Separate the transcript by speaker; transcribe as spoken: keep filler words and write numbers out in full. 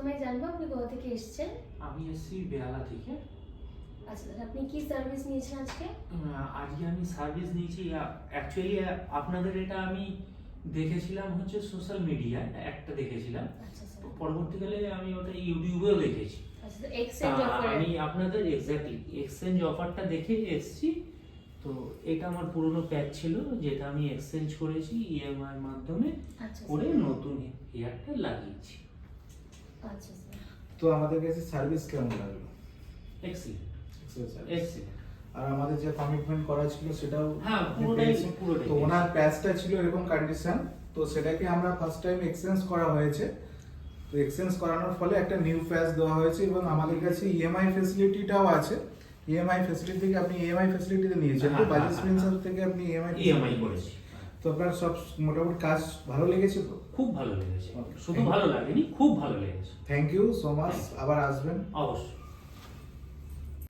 Speaker 1: প্রথমে জানবো আপনি কোথা থেকে এসেছেন?
Speaker 2: আমি এসেছি বেহালা থেকে।
Speaker 1: আচ্ছা দাদা, আপনি কি সার্ভিস নিয়েছেন আজকে?
Speaker 2: আহ, আজকে আমি সার্ভিস নিয়েছি। অ্যাকচুয়ালি আপনাদের এটা আমি দেখেছিলাম হচ্ছে সোশ্যাল মিডিয়ায় একটা দেখেছিলাম,
Speaker 1: আচ্ছা স্যার।
Speaker 2: তো পরবর্তীকালে আমি ওটা ইউটিউবেও দেখেছি।
Speaker 1: আচ্ছা স্যার, এক্সচেঞ্জ
Speaker 2: তা
Speaker 1: অফার।
Speaker 2: আমি আপনাদের এক্স্যাক্টলি এক্সচেঞ্জ অফারটা দেখে এসেছি। তো এটা আমার পুরনো প্যাক ছিল, যেটা আমি এক্সচেঞ্জ করেছি ইএমআই এর মাধ্যমে
Speaker 1: আচ্ছা
Speaker 2: করে
Speaker 1: স্যার।
Speaker 2: নতুন হেয়ারটা লাগিয়েছি।
Speaker 1: আচ্ছা স্যার।
Speaker 3: তো আমাদের কাছে সার্ভিস কেমন লাগলো?
Speaker 2: Excellent
Speaker 3: Excellent service।
Speaker 2: এক্সিলেন্ট।
Speaker 3: আর আমাদের যে কমিটমেন্ট করা ছিল সেটাও
Speaker 2: হ্যাঁ,
Speaker 3: আপনি
Speaker 2: পুরোটাই
Speaker 3: পেয়েছেন।
Speaker 2: পুরোটাই
Speaker 3: তো ওনার প্যাচটা ছিল এরকম কন্ডিশন, তো সেটাকে আমরা ফার্স্ট টাইম এক্সচেঞ্জ করা হয়েছে। তো এক্সচেঞ্জ করানোর ফলে একটা নিউ প্যাচ দেওয়া হয়েছে এবং আমাদের কাছে ইএমআই ফ্যাসিলিটিটাও আছে। ইএমআই ফ্যাসিলিটি থেকে আপনি ইএমআই ফ্যাসিলিটিতে নিয়েছেন তো
Speaker 2: হ্যাঁ,
Speaker 3: বাজাজ
Speaker 2: হ্যাঁ,
Speaker 3: ফিন্সার
Speaker 2: হ্যাঁ।
Speaker 3: থেকে আপনি ইএমআই
Speaker 2: ইএমআই করেছি।
Speaker 3: তো আপনার সব মোটামুটি কাজ ভালো লেগেছে তো?
Speaker 2: খুব ভালো লেগেছে,
Speaker 3: Okay,
Speaker 2: শুধু
Speaker 3: thank you.
Speaker 2: ভালো লাগেনি, খুব ভালো লেগেছে।
Speaker 3: থ্যাংক ইউ সো মাচ, আবার আসবেন।
Speaker 2: অবশ্যই।